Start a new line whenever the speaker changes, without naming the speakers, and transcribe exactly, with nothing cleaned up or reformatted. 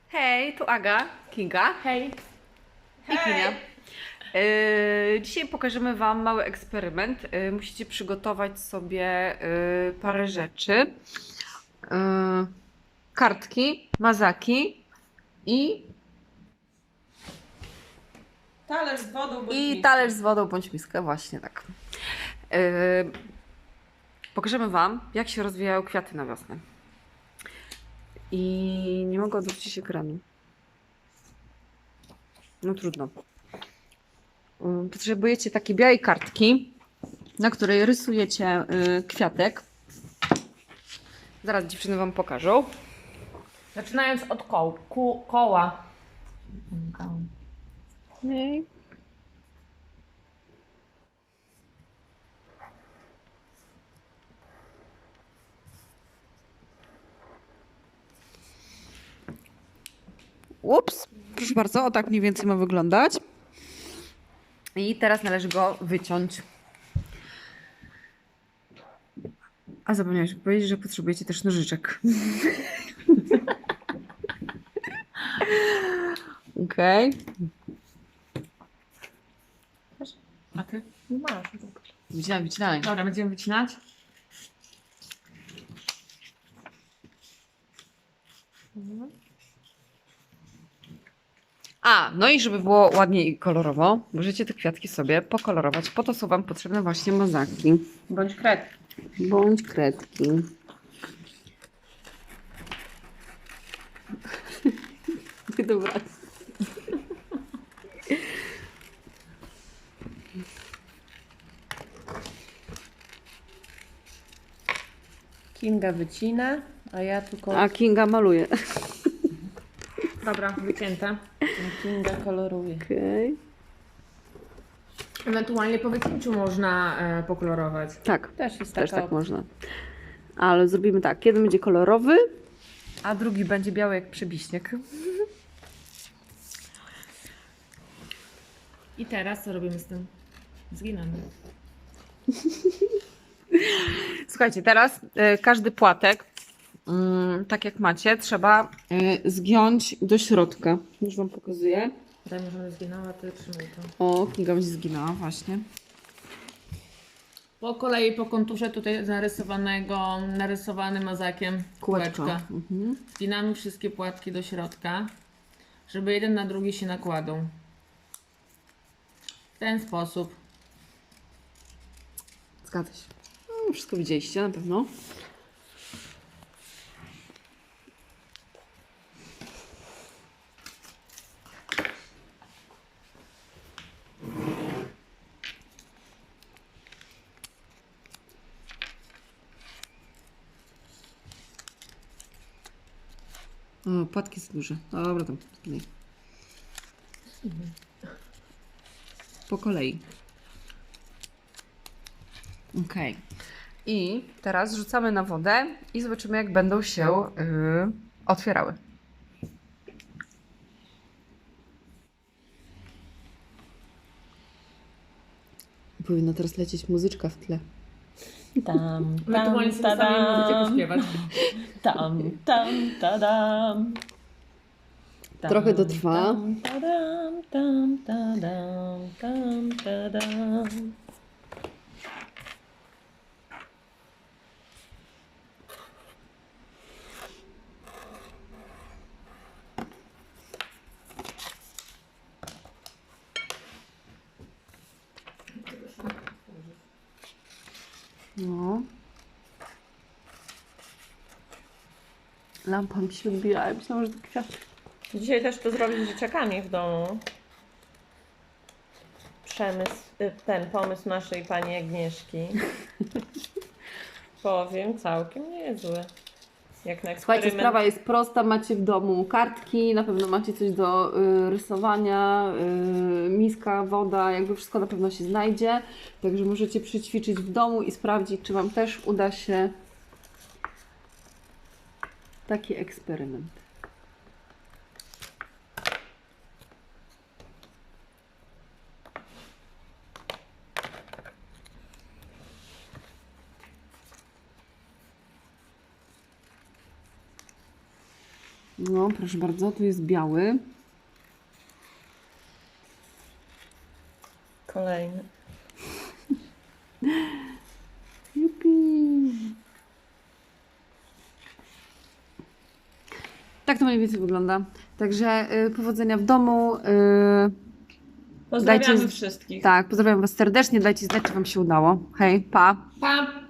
Hej, tu Aga, Kinga
Hej.
i Kinia. Yy, dzisiaj pokażemy Wam mały eksperyment. Yy, musicie przygotować sobie yy, parę rzeczy. Yy, kartki, mazaki i,
Talerz z wodą bądź
i
miskę.
talerz z wodą bądź miskę, właśnie tak. Yy, pokażemy Wam, jak się rozwijają kwiaty na wiosnę. I nie mogę odwrócić ekranu. No trudno. Yy, Potrzebujecie takiej białej kartki, na której rysujecie y, kwiatek. Zaraz dziewczyny Wam pokażą.
Zaczynając od koł, ku, koła.
Okay. Ups, proszę bardzo, o tak mniej więcej ma wyglądać. I teraz należy go wyciąć. A zapomniałeś powiedzieć, że potrzebujecie też nożyczek. Okej.
A ty? Nie masz.
Wycinaj, wycinaj.
Dobra, będziemy wycinać.
A, no i żeby było ładnie i kolorowo, możecie te kwiatki sobie pokolorować. Po to są Wam potrzebne właśnie mazaki.
Bądź kred.
Bądź kredki. Dobra.
Kinga wycina, a ja tylko...
A Kinga maluje.
Dobra, wycięte. Kinga koloruje.
Okej.
Ewentualnie po wycięciu można e, pokolorować.
Tak,
Też jest
też
taka
tak
opcja.
można. Ale zrobimy tak. Jeden będzie kolorowy, a drugi będzie biały jak przebiśnieg.
I teraz co robimy z tym? Zginamy.
Słuchajcie, teraz y, każdy płatek, y, tak jak macie, trzeba y, zgiąć do środka. Już Wam pokazuję.
Daj mi, żebym zginęła, ty trzymaj to.
O, Kinga mi się zginęła właśnie.
Po kolei po konturze tutaj narysowanego, narysowanym mazakiem
Kółeczko.
kółeczka.
Mhm.
Zginamy wszystkie płatki do środka, żeby jeden na drugi się nakładał. W ten sposób.
Zgadza się. No, wszystko widzieliście na pewno. O, płatki są duże. Dobra, tam. Tutaj. Po kolei. Ok. I teraz rzucamy na wodę i zobaczymy, jak będą się yy, otwierały. Powinna teraz lecieć muzyczka w tle.
Tam,
Ewentualnie
tam,
sobie sami możecie
tadam,
pośpiewać.
tam, tam, tadam. Tam,
Trochę to trwa.
Tam, tadam, tam, tadam, tam, tadam.
No. Lampa mi się odbija, ale myślałam, że to kwiat.
Dzisiaj też to zrobić z dzieciakami w domu. Przemysł, y, ten pomysł naszej pani Agnieszki. Powiem, całkiem niezły. Jak na
Słuchajcie,
eksperyment.
sprawa jest prosta. Macie w domu kartki, na pewno macie coś do y, rysowania, y, miska, woda, jakby wszystko na pewno się znajdzie. Także możecie przyćwiczyć w domu i sprawdzić, czy Wam też uda się taki eksperyment. No, proszę bardzo, tu jest biały.
Kolejny.
Jupi. Tak to mniej więcej wygląda. Także y, powodzenia w domu. Y,
Pozdrawiamy
Dajcie-
wszystkich.
tak, pozdrawiam Was serdecznie. Dajcie znać, czy Wam się udało. Hej, pa!
Pa!